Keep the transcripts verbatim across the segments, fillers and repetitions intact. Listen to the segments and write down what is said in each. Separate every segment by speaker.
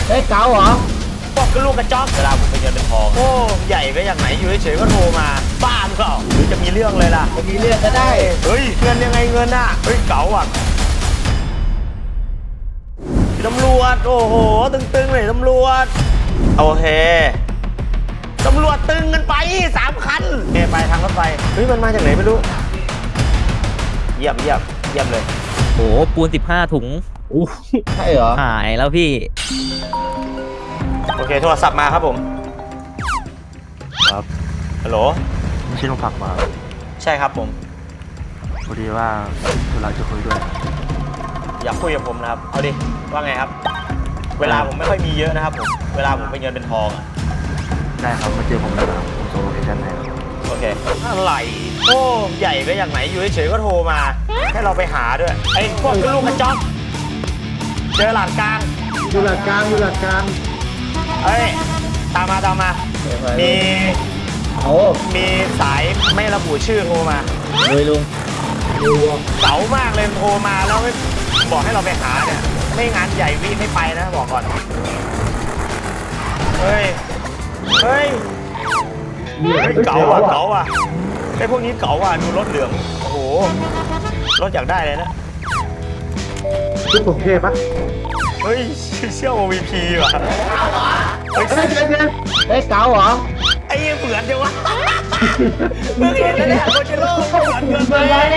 Speaker 1: เฮ้ยเก๋าเหรอ
Speaker 2: บอกก็ลูกกระจอกเวลาผมเป็นเงินเป็นทองโอ้ใหญ่ก็อย่างไหนอยู่เฉยๆก็โทรมาบ้าหรือเปล่าหรือจะมีเรื่องเลยล่ะ
Speaker 1: จะมีเรื่องก็ได้
Speaker 2: เฮ้ยเงินยังไงเงินน่ะเฮ้ยเก๋าอ่ะตำรวจโอ้โหตึงๆเลยตำรวจโอเคตำรวจตึงกันไปสามคันเอไปทางรถไฟเฮ้ยมันมาจากไหนไม่รู้เยี่ยมเยี่ยมเยี่ยมเลย
Speaker 3: โหปูนสิบห้าถุง
Speaker 1: อู้ใช่เหรอ
Speaker 3: หายแล้วพี่
Speaker 2: โอเคโทรศัพท์มาครับผม
Speaker 4: ครับ
Speaker 2: ฮัลโหล
Speaker 4: ไม่ใช่ลุงผักมา
Speaker 2: ใช่ครับผม
Speaker 4: พอดีว่าธุระจะคุยด้วย
Speaker 2: อยากคุยกับผมนะครับเอาดิว่าไงครับเวลาผมไม่ค่อยมีเยอะนะครับผมเวลาผมเป็นเงินเป็นทอง
Speaker 4: ได้ครับมาเจอผมแล้วครับผมส่งโลเคชั่นให้
Speaker 2: โอเคอะไรโอ้ใหญ่ก็อย่างไหนอยู่เฉยๆก็โทรมาให้เราไปหาด้วยไอ้พวกลูกกระจอกเจอหลาดกลาง
Speaker 1: อยู่หลักกลางอยู่หลักกลาง
Speaker 2: เอ้ยตามมาตามมามี
Speaker 1: โอ้
Speaker 2: มีสายไม่ระบุชื่อโทรมา
Speaker 1: เลยลุง
Speaker 2: เก๋ามากเลยโทรมาแล้วไม่บอกให้เราไปหาเนี่ยไม่งานใหญ่วิไม่ไปนะบอกก่อนเฮ้ยเฮ้ยเก๋าอ่ะเก๋าอ่ะไอ้พวกนี้เก๋าอ่ะดูรถเหลืองโอ้โหรถอยากได้เลยนะ
Speaker 1: ชุดผมเทปะ
Speaker 2: เฮ้ยเชี่ยว โอ วี พี ว่ะ
Speaker 1: เฮ้ยเฮ้ยเฮ้ยเก๋าเหรอ
Speaker 2: ไอ้ยังเหมือนจังวะเมื่อเห็นแล้วเนี่ยโคเชโร่เหมือนเกินไป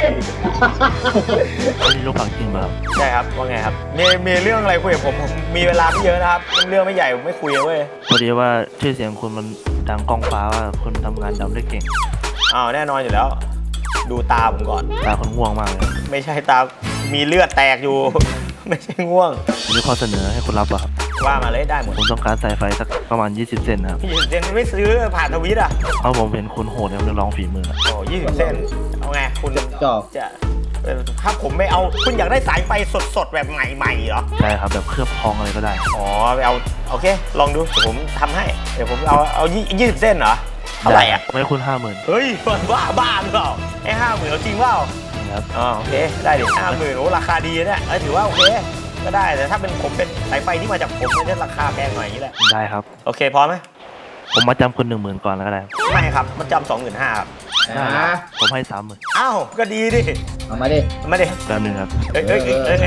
Speaker 4: นี่ลุงผักจริงป่ะครับ
Speaker 2: ใช่ครับว่าไงครับมีมีเรื่องอะไรคุยกับผมผมมีเวลาไม่เยอะนะครับเรื่องไม่ใหญ่ผมไม่คุยเว้ย
Speaker 4: พอดีว่าชื่อเสียงคุณมันดังก้องฟ้าว่าคุณทำงานดำได้เก่ง
Speaker 2: อ้าวแน่นอนอยู่แล้วดูตาผมก่อน
Speaker 4: ตาคนง่วงมากเลย
Speaker 2: ไม่ใช่ตามีเลือดแตกอยู่ไม่ใช่ง่วง
Speaker 4: มีข้อเสนอให้คุณรับป่ะครับ
Speaker 2: ว่ามาเลยได้หมด
Speaker 4: ผมต้องการสายไฟสักประมาณยี่สิบเซนนะครับ
Speaker 2: ยี่สิบเซนไม่ซื้อผ่านทวิตอ่ะ
Speaker 4: เพราะผมเห็นคุณโหดในเรื่องร้องฝีมือ
Speaker 2: โอ้ยี่สิบเซนเอาไงคุณ
Speaker 1: จอก
Speaker 2: จะถ้าผมไม่เอาคุณอยากได้สายไฟสดๆแบบใหม่ๆเหรอ
Speaker 4: ใช่ครับแบบเคลือบทองอะไรก็ได้
Speaker 2: อ๋อไปเอาโอเคลองดูเดี๋ยวผมทำให้เดี๋ยวผมเอาเอายี่สิบเส้นเหรอเท่าไหร่อ่ะ
Speaker 4: ไม่คุณห้าหมื่น
Speaker 2: เฮ้ยบ้าบ้าหรือเปล่าไอ้ห้าหมื่นจริงเปล่า
Speaker 4: ครับ
Speaker 2: อ๋อโอเคได้ดิห้าหมื่นโอ้ราคาดีเนี่ยเออถือว่าโอเคก็ได้แต่ถ้าเป็นผมเป็นสายไฟที่มาจากผมมันจะราคาแพงหน่อยอย่างนี้แหละ
Speaker 4: ได้ครับ
Speaker 2: โอเคพร้อมไหม
Speaker 4: ผมมาจำคุณหนึ่งหมื่นก่อนแล้วก็ได้
Speaker 2: ไม่ครับมันจำสองหมื่นห้าครับ
Speaker 1: นะ
Speaker 4: ผมให้สามหมื่น
Speaker 2: อ้าวก็ดีดิ
Speaker 1: เอามาดิ
Speaker 2: มาดิ
Speaker 4: แป๊บนึงครับ
Speaker 2: เอ้ยเอ้ยเอ้ย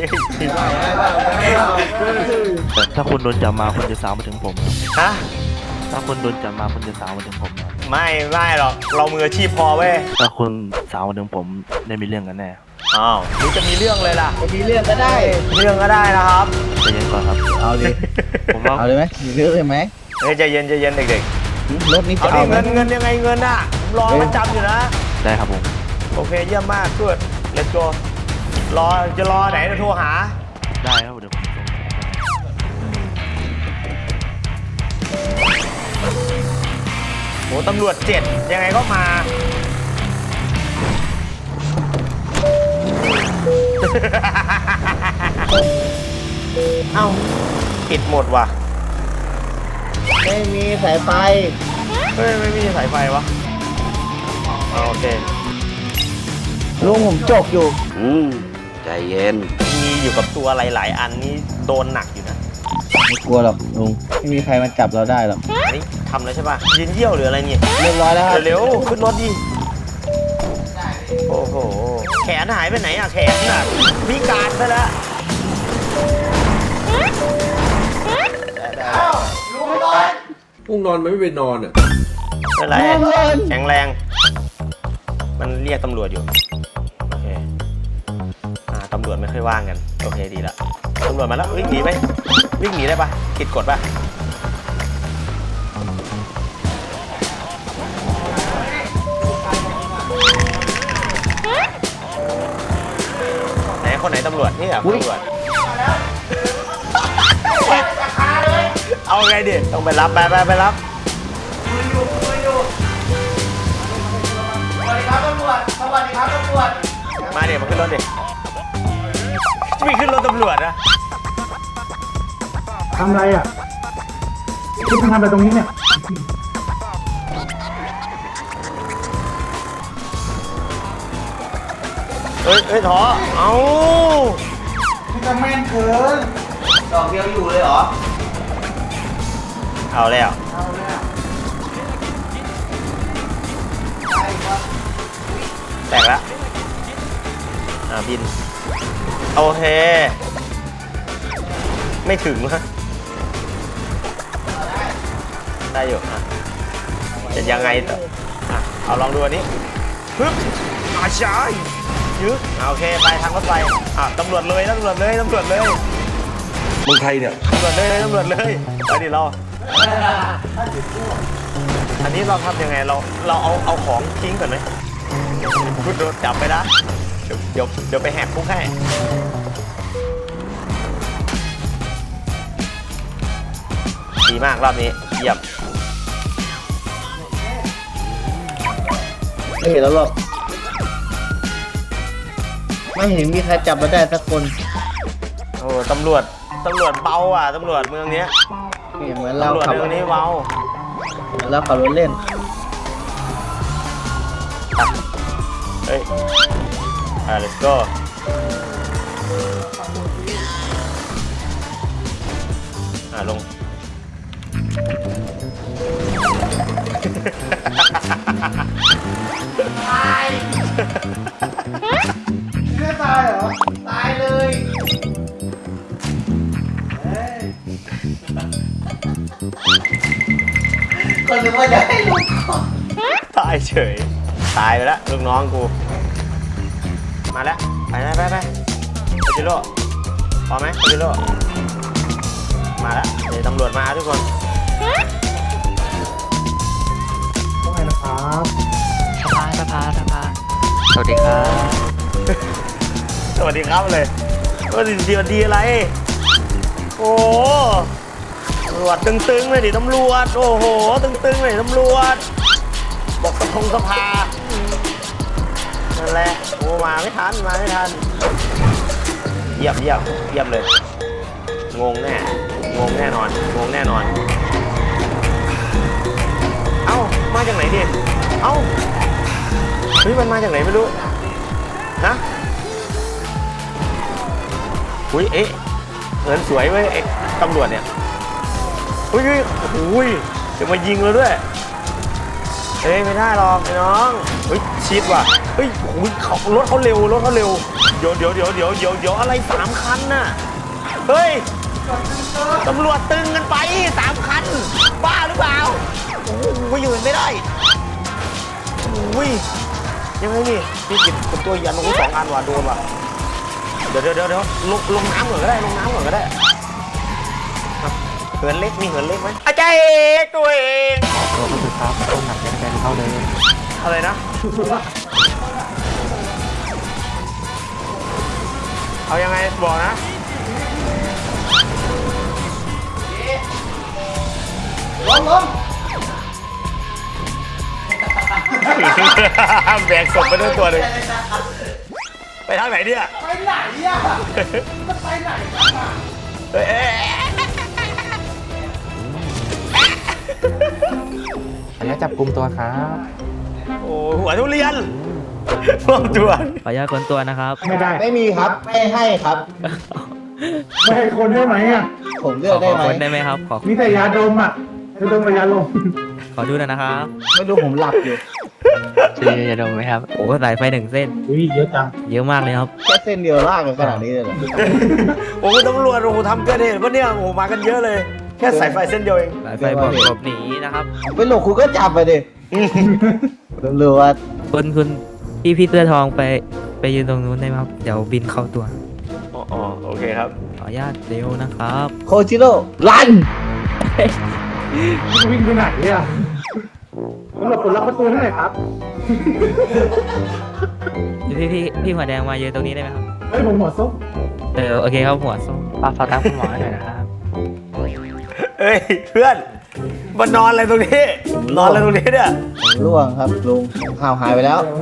Speaker 4: แต่ถ้าคุณโดนจับมาคุณจะสาวมาถึงผม
Speaker 2: ฮะ
Speaker 4: ถ้าคุณโดนจับมาคุณจะสาวมาถึงผม
Speaker 2: ไม่ไม่หรอกเรามืออาชีพพอเว้ย
Speaker 4: ถ้าคุณสาวมาถึงผมได้มีเรื่องกันแน่
Speaker 2: อ้าวหรือจะมีเรื่องเลยล่ะ
Speaker 1: จะมีเรื่องก็ได้
Speaker 2: เรื่องก็ได้นะครับ
Speaker 4: ใจเย็นก่อนครับ
Speaker 1: เอาดิ
Speaker 4: ผมว่า
Speaker 1: เอาเลยไหมมีเรื่องเลยไหม
Speaker 2: เฮ้ยใจเย็นใจเย็นเด็ก
Speaker 1: ๆรถนี้จะ
Speaker 2: เอาเงินเงินยังไงเงินน่ะรอมันจำอยู่นะ
Speaker 4: ได้ครับผม
Speaker 2: โอเคเยี่ยมมากช่วย let's go รอจะรอไหนจะโทรหา
Speaker 4: ได้ครับเดี๋ยวผมส่ง
Speaker 2: โหตำรวจเจ็ดยังไงก็มาเอ้าปิดหมดว่ะ
Speaker 1: ไม่มีสายไฟ
Speaker 2: เฮ้ยไม่มีสายไฟวะโอเค
Speaker 1: ลุงผมจกอยู่
Speaker 5: อืมใจเย็น
Speaker 2: มีอยู่กับตัวหลายๆอันนี้โดนหนักอยู่นะ
Speaker 1: ไม่กลัวหรอกลุงไม่มีใครมาจับเราได้หรอก
Speaker 2: อันนี้ทำแล้วใช่ป่ะยืนเยี่ยวหรืออะไรเนี่ย
Speaker 1: เรียบร้อยแล้ว
Speaker 2: เร็วขึ้นรถดิโอ้โหแขนหายไปไหนอะแขนน่ะพิการไปแล้ว
Speaker 5: พวกนอนมันไม่ไปนอนอ่ะ
Speaker 2: เป็นไรแข็งแรงมันเรียกตำรวจอยู่โอเคอ่าตำรวจไม่ค่อยว่างกันโอเคดีละตำรวจมาแล้ววิ่งหนีไหมวิ่งหนีได้ปะผิดกฎปะไหนคนไหนตำรวจนี่เหรอตำรวจเอาไงดิต้องไปรับไปไปไปรับสวัสดีครับตำรวจสวัสดีครับตำรวจมาเดี๋ยวมาขึ้นรถดิวิ่งขึ้นรถตำรวจนะ
Speaker 1: ทำไรอ่ะที่ทำอะไรตรงนี้เนี่ย
Speaker 2: เฮ้ยเฮ้ยท้อเอา
Speaker 1: ที่จะแม่นเกิน
Speaker 5: ดอกเดียวอยู่เลยเหรอ
Speaker 2: เอาแล้วแตกแล้วอ่าบินโอเคไม่ถึงนะได้อยู่อ่ะจะยังไงต่ออ่ะเอาลองดูอันนี้ปึ๊บอาชายยึดโอเคไปทางรถไฟอ่ะตำรวจเลยตำรวจเลยตำรวจเลย
Speaker 5: มึงใครเนี่ย
Speaker 2: ตำรวจเลยตำรวจเลยไปดิเราอันนี้เราทำยังไงเราเราเอาเอาของทิ้งก่อนไหมคุณโดนจับไปนะเดี๋ยวเดี๋ยวเดี๋ยวไปแหกคุกให้ดีมากรอบนี้เยี่ยม
Speaker 1: ไม่เห็นแล้วหรอกไม่เห็นมีใครจับเราได้สักคน
Speaker 2: โอ้ตำรวจตำรวจเบาอ่ะตำรวจเมืองเนี้ย
Speaker 1: เหมือนเรา
Speaker 2: ตำรวจ
Speaker 1: ขับ
Speaker 2: เมืองนี้เบา
Speaker 1: เหมือนเราขับรถเล่น
Speaker 2: เฮ้ยอ่ะ let's go อ่ะลง
Speaker 1: ไม่ตายเหรอ ตายเลยก็นึกว่าจะให้ลูกก่อน
Speaker 2: ตายเฉยตายไปแล้วลูกน้องกูมาแล้วไปไปไปไปโคจิโร่พอไหมโคจิโร่มาแล้วเดี๋ยวตำรวจมาทุกคน
Speaker 1: ว่าไงนะครับ
Speaker 4: สภาสภาสภาสวัสดีครับ
Speaker 2: สวัสดีครับเลยว่าดีดีดีอะไรโอ้ตำรวจตึงๆเลยดิตำรวจโอ้โหตึงๆเลยตำรวจบอกสะพงสภานั่นแหละโอ้มาไม่ทันมาไม่ทันเยี่ยมเยี่ยมเยี่ยมเลยงงแน่งงแน่นอนงงแน่นอนเอ้ามาจากไหนดิเอ้าเฮ้ยมันมาจากไหนไม่รู้นะอุ้ยเอ๊ะเงินสวยเว้ยเอ๊ะตำรวจเนี่ยอุ้ยอุ้ยอุ้ยจะมายิงเราด้วยเอ้ยไม่ได้หรอกไอ้น้องเฮ้ยชิดว่ะเฮ้ยโอ้ยเขารถเขาเร็วรถเขาเร็วเดี๋ยวเดี๋ยวเดี๋ยวเดี๋ยวเดี๋ยวเดี๋ยวอะไรสามคันน่ะเฮ้ยตำรวจตึงกันไปสามคันบ้าหรือเปล่าโอ้ยอยู่ไม่ได้โอ้ยยังไงนี่พี่กินเป็นตัวยันโอ้โหสองอันว่ะโดนว่ะเดี๋ยวเดี๋ยวเดี๋ยวลงลงน้ำก่อนก็ได้ลงน้ำก่อนก็ได้เหินเล็กมีเหินเล็กไหมอาจารย์ตัวเองตัวก็คือครับต้นหนักแกนเข้าเลยอะไรนะเอายังไงบอกนะล้มล้มแบกศพไปด้วยตัวหนึ่งไปทางไหนเนี่ยไปไหนอ่ะจะไปไหนกันอ่ะเอ้ย
Speaker 6: ขออนุญาตจับกลุ่มตัวครับ
Speaker 2: โอ้หัวทุเรียนรวมตัว
Speaker 3: ขออนุญาตค้นตัวนะครับ
Speaker 6: ไม่ได้
Speaker 1: ไม่มีครับ ไม่ให้ครับ
Speaker 6: ไม่ให้คนได้ไหมอ่ะ
Speaker 1: ผมเลื
Speaker 3: ข
Speaker 1: อ
Speaker 3: อก
Speaker 1: ได้
Speaker 3: ขอ
Speaker 1: ไหม
Speaker 3: ค้นได้ไหมครับ ขอ
Speaker 6: มีแต่ยาดมอ่ะยาดมกับยาลม
Speaker 3: ขอดูหน่อยนะครับ
Speaker 1: ไม่รู้ผมหลับอยู่
Speaker 4: จะจะดมไหมครับ
Speaker 3: โอ้สายไฟหนึ่งเส้น
Speaker 6: อุ้ยเยอะจัง
Speaker 3: เยอะมากเลยครับ
Speaker 1: แค่เส้นเดียวลากกันขนาดนี้เลยเหรอ
Speaker 2: โอ้ตำรวจโอ้ทำเกินเหตุปะเนี่ยโอ้มากันเยอะเลย แค่สายไฟเส้นเดียวเอง
Speaker 3: สายไฟบอกหลบหนีนะครับ
Speaker 1: ไปหลบคุณก็จับไปดิตำรวจ
Speaker 3: คุณคุณพี่พี่เสื้อทองไปไปยืนตรงนู้นได้ไหมครับ เดี๋ยวบินเข้าตัว
Speaker 2: อ๋อโอเคครับ
Speaker 3: ขออนุญาตเร็วนะครับ
Speaker 1: โคจิโร่รัน
Speaker 6: จะวิ่งไปไหนอ่ะตำรวจปลดล็อกประตูให้หน่อยครับ
Speaker 3: พี่พี่พี่หัวแดงมายืนตรงนี้ได้ไหมครับ
Speaker 6: เฮ้ยผมหัวส้ม
Speaker 3: เออโอเคครับหัวส้ม
Speaker 4: ฝากฝากทางคุณหมอหน่อยนะครับ
Speaker 2: เอ้ยเพื่อนมานอนอะไรตรงนี้ นอนอะไรตรงนี้เนี่ย
Speaker 1: ร่วงครับลุงข่าวหายไปแล้ว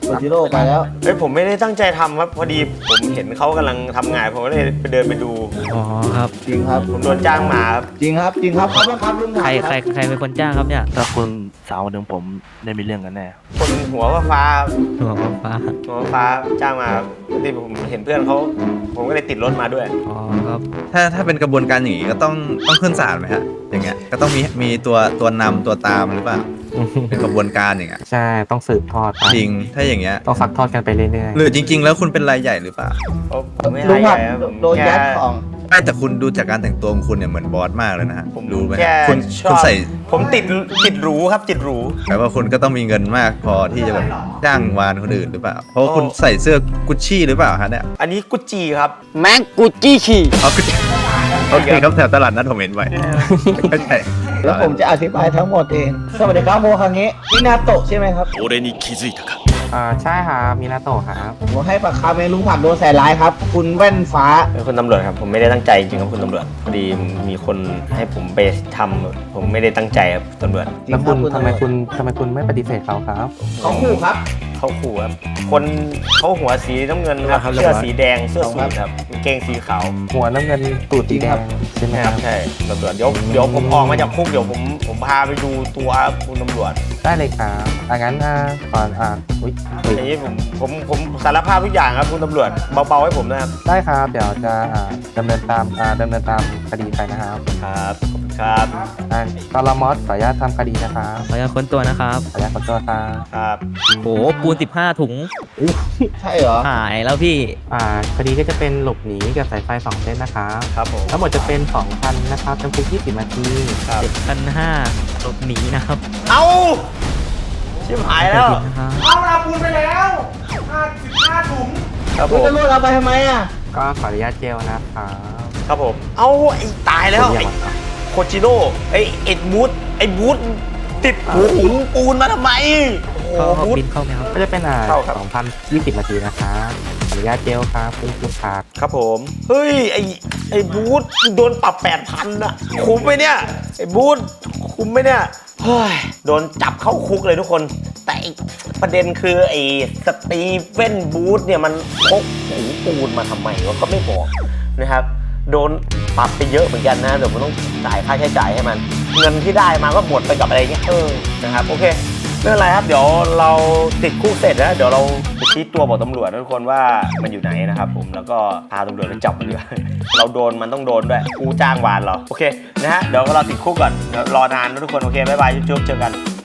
Speaker 1: โรจิโร่ไปแล้ว
Speaker 2: เฮ้ยผมไม่ได้ตั้งใจทำครับพอดีผมเห็นเขากำลังทำงานผมก็เลยไปเดินไปดู
Speaker 3: อ๋อครับ
Speaker 1: จริงครับ
Speaker 2: ผมโดนจ้างมาครับ
Speaker 1: จริงครับจริงครับเขาบังคับลุง
Speaker 3: ใคร
Speaker 1: ถ่าย
Speaker 3: ใครใครเป็นคนจ้างครับเนี่ย
Speaker 4: ถ้าคุณสาวคนหนึ่งผมได้มีเรื่องกันแน่
Speaker 2: คนหัวฟ้า
Speaker 3: หัวฟ้า
Speaker 2: หัวฟ้าจ้างมาครับที่ผมเห็นเพื่อนเขาผมก็เลยติดรถมาด้วย
Speaker 3: อ๋อครับ
Speaker 7: ถ้าถ้าเป็นกระบวนการอย่างนี้ก็ต้องต้องขึ้นศาลไหมฮะอย่างเงี้ยก็ต้องมีมีตัวตัวนำตัวตามหรือเปล่าเป็นกระบวนการอย่างเงี้ย
Speaker 8: ใช่ ต้องสืบทอดไป
Speaker 7: จริงถ้าอย่างเงี้ย
Speaker 8: ต้องซักทอดกันไปเรื่อย
Speaker 7: หรือจริง ๆ แล้วคุณเป็นรายใหญ่หรือเปล่า
Speaker 2: ผมไม่
Speaker 1: ลุ
Speaker 2: ให้
Speaker 1: ง
Speaker 2: ให
Speaker 1: ผั
Speaker 2: ญ่
Speaker 1: ด
Speaker 2: ครับผม
Speaker 1: โดนยัดของ
Speaker 7: ไม่แต่คุณดูจากการแต่งตัวของคุณเนี่ยเหมือนบอสมากเลยนะฮะ
Speaker 2: ผม
Speaker 7: รู้ไหม
Speaker 2: แค่
Speaker 7: คุณ
Speaker 2: ชอ
Speaker 7: คุณ
Speaker 2: บ
Speaker 7: ใส่
Speaker 2: ผมติดติดหรูครับติดหรู
Speaker 7: แปลว่าคุณก็ต้องมีเงินมากพอที่จะแบบจ้างวานคนอื่นหรือเปล่า เพราะว่าคุณใส่เสื้อกุชชี่หรือเปล่าฮะเนี่ย
Speaker 2: อันนี้กุจจีครับ
Speaker 1: แม็กกูจี้ขี่
Speaker 7: เอากุชชี่โอเคครับแถวตลาดนัดผมเห็นไว้เข้าใจ
Speaker 1: แล้วผมจะอธิบายทั้งหมดเองสวัสดีครับโมคังเงะนี่นาโตะใช่ไหมครับ
Speaker 8: ๆ อ่า ใช่ครับมินาโตะครับ
Speaker 1: ผมให้ปากคำเองลุงผัดโดนใส่ร้ายครับ คุณแว่นฟ้า
Speaker 2: เป็นคนตำรวจครับผมไม่ได้ตั้งใจจริงๆครับคุณตำรวจพอดีมีคนให้ผมไปทำผมไม่ได้ตั้งใจครับตำรวจ
Speaker 1: จริง
Speaker 8: แล้ว
Speaker 1: ค
Speaker 8: คุ
Speaker 1: รับ
Speaker 8: ณ
Speaker 1: คุณ
Speaker 8: ทำไม
Speaker 1: ตำรวจ
Speaker 8: คุณทำไมคุณไม่ปฏิเสธเขาครับ
Speaker 1: เขาขู่ครับ
Speaker 2: เขาขู่ครับคนเขาหัวสีน้ำเงินครับ
Speaker 1: ครับ
Speaker 2: เสื้อสีแดงเสื้อสูทครับกางเกงสีขาว
Speaker 8: หัวน้ำเงินตูดสีแดงใช่ไหม
Speaker 2: นะ
Speaker 8: ค
Speaker 2: ค
Speaker 8: รั
Speaker 2: รับ บใช่ตำรวจเดี๋ยวเดี๋ยวผมออกมาจากคุกเดี๋ยวผมผมพาไปดูตัวคุณตำรวจ
Speaker 8: ได้เลยครับอ่างั้นอ่าก่อนอ่าอุ้ยอุ๊ย
Speaker 2: อย่างนี้ผมผมผมสารภาพทุกอย่างครับคุณตำรวจเบาๆให้ผมนะครับ
Speaker 8: ได้ครับ เดี๋ยวจะอ่าดำเนินตามอ่าดำเนินตามคดีไปนะครับ
Speaker 2: ครับขอบคุณครับ
Speaker 8: อ่าตลมอสขออนุญาตทำคดีนะครับ
Speaker 3: ขออนุญาตค้นตัวนะครับ
Speaker 8: ขออนุญาตขอตัวครับ
Speaker 2: ครับ
Speaker 3: โหปูนสิบห้าถุง
Speaker 1: ใช่เหรอ
Speaker 3: หายแล้วพี่
Speaker 8: อ่าคดีก็จะเป็นหลบหนีกับสายไฟสองเส้นนะครับ
Speaker 2: ครับผม
Speaker 8: ทั้งหมดจะเป็นสองพันนะครับจำคุกยี่สิบนาที
Speaker 2: ครับ
Speaker 3: เจ็ดพันห้าหลบหนีนะครับ
Speaker 2: เอาชิบหายแล้ว
Speaker 3: นะครับ
Speaker 2: ครับผ
Speaker 1: คุณ
Speaker 2: ม
Speaker 1: ตำรวจเอาไปทำไมอ่ะ
Speaker 8: ก็ขออนุญาตเจลนะครับ
Speaker 2: ครับผม เอาไอ้ตายแล้วไอ้โคจิโน่ไอ้เอ็ดบูธไอ้บูธติดหูหุงปูนมาทำไมโอ้
Speaker 3: เข้า
Speaker 2: โห
Speaker 3: เข้า
Speaker 2: บูธ
Speaker 3: บินเข้าไหมครับ
Speaker 8: ก็จะเป็นอ่า
Speaker 2: เข้าครับ
Speaker 8: สองพันยี่สิบนาทีนะครับขออนุญาตเจลครับคุณคุณครับ
Speaker 2: ครับผม เฮ้ย ไอ้ไอ้บูธโดนปรับแปดพันอะคุ้มไหมเนี่ย ไอ้บูธคุ้มไหมเนี่ย เฮ้ย โดนจับเข้าคุกเลยทุกคน แต่ไอ้ประเด็นคือไอ้สตีเฟนบูธเนี่ยมันพกหูปูนมาทำไมวะก็ไม่บอกนะครับ โดนปรับไปเยอะเหมือนกันนะ เดี๋ยวมันต้องจ่ายค่าใช้จ่ายให้มัน เงินที่ได้มาก็หมดไปกับอะไรเงี้ย เออ นะครับ โอเค ไม่เป็นไรครับ เดี๋ยวเราติดคุกเสร็จนะเดี๋ยวเราไปชี้ตัวบอกตำรวจนะทุกคนว่ามันอยู่ไหนนะครับผมแล้วก็พาตำรวจไปจับมันด้วย เราโดนมันต้องโดนด้วยกูจ้างวานเราโอเคนะฮะเดี๋ยวเราติดคุกก่อนเดี๋ยวรอนานนะทุกคนโอเคบ๊ายบายจุ๊บๆเจอกัน